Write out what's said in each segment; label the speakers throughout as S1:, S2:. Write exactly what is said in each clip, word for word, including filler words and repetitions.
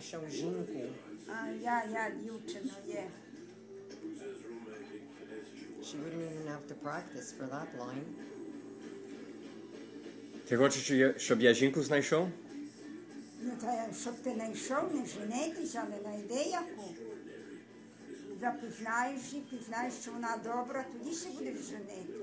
S1: знайшов жінку.
S2: А я, я дівчина є.
S1: She wouldn't even have to practice for that line.
S3: Ти хочеш, щоб я- щоб я жінку знайшов?
S2: Ну, та я- щоб ти знайшов, не женитись, але знайди яку. Запізнаєш її, пізнаєш, що вона добра, тоді ще будеш женити.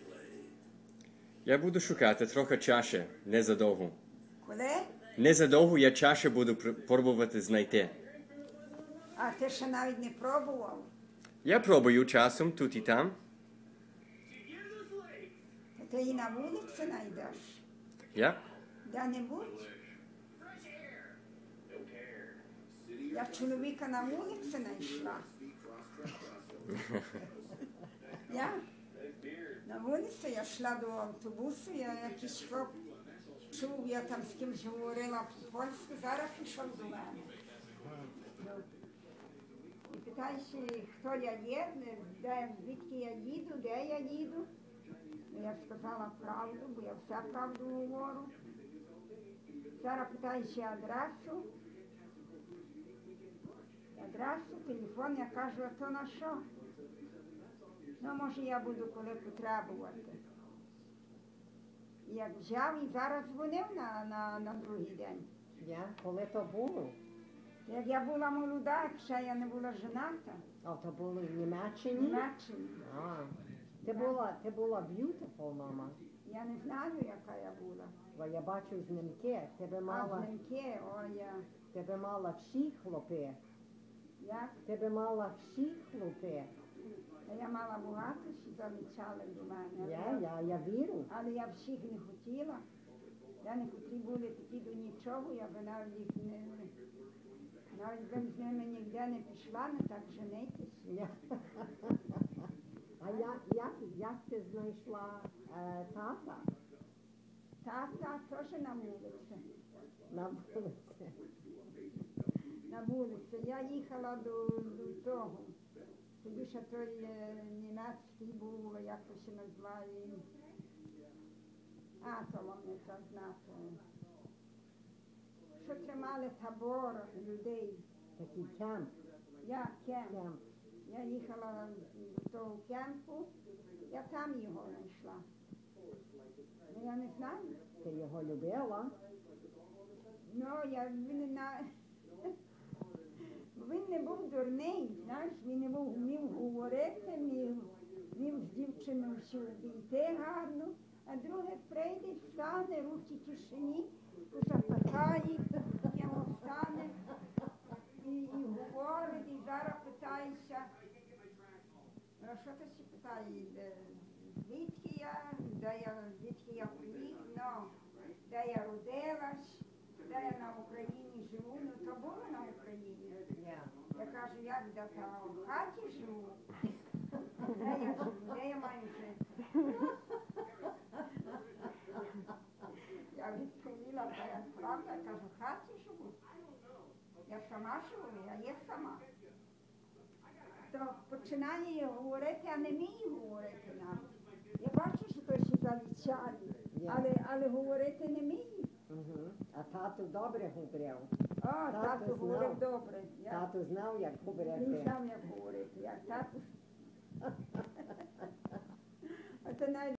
S3: Я буду шукати трохи чаще, не задовго.
S2: Коли?
S3: Не задовго я чаще буду пр- пробувати знайти.
S2: А ти ще навіть не пробував.
S3: Я пробую часом тут і там.
S2: Та ти її на вулиці знайдеш.
S3: Я?
S2: Де-небудь. Я чоловіка на вулиці знайшла. Я? На вулиці я йшла до автобусу, я якийсь хлоп чув, я там з кимось говорила по-польськи, зараз пішов до мене. І питає, хто я є, де, звідки я їду, де я їду. Ну, я сказала правду, бо я все правду говорю. Зараз питає ще адресу. Адресу, телефон, я кажу, а то на що? Ну, може, я буду коли потребувати. І як взяв і зараз дзвонив на, на, на другий день.
S1: Я? Коли то було?
S2: Як я була молода, як ще я не була жената,
S1: А то було в
S2: в
S1: Німеччині?
S2: Німеччині.
S1: А, ти була, ти була beautiful, мама.
S2: Я не знаю, яка я була.
S1: Бо я бачу знімки, тебе
S2: А
S1: мала,
S2: знімки, о, я,
S1: тебе мала всі хлопи.
S2: як?
S1: Тебе мала всі хлопи.
S2: Та я мала багато, що залучали до мене.
S1: Я, я, я вірю.
S2: Але я всіх не хотіла. Я не хотіла були такі до нічого, я би навіть їх не... Навіть би з ними ніде не пішла, не так женитись.
S1: Я. А як, як, як ти знайшла е, тата
S2: Тата теж на вулиці.
S1: на вулиці?
S2: На вулиці. Я їхала до, до того. Тоді ще той е, німецький був, як то ще називає. А, то вам не так знати. Що тримали табор людей.
S1: Такий кемп.
S2: Я кемп.
S1: Кемп.
S2: Я їхала до того кемпу, я там його знайшла. Ну, я не знаю.
S1: Ти його любила?
S2: Ну, я він на... Він не був дурний, знаєш, він не був вмів говорити, вмів, вмів з дівчиною всю обійти гарно, а друге прийде, стане, руки в кишені, запитає, йому стане і, і говорить, і зараз питається. Ну, що ти ще питає, де- звідки я, де я, звідки я приїхав, ну, де я родилась, де я на Україні живу, ну то було на Україні.
S1: Я.
S2: Я кажу, як де та в хаті живу, де я живу, де я маю жити. Я відповіла, та я правда, я кажу, в хаті живу. Я сама живу, я є сама. То починає говорити, а не вміє говорити навіть. Я бачу, що то ще залічає, але, але говорити не вміє.
S1: Угу. А тату добре говорив.
S2: О, тато
S1: знав.
S2: говорив добре. Я,
S1: Тату знав, як
S2: він
S1: говорити.
S2: знав, як говорити, як тато. А то навіть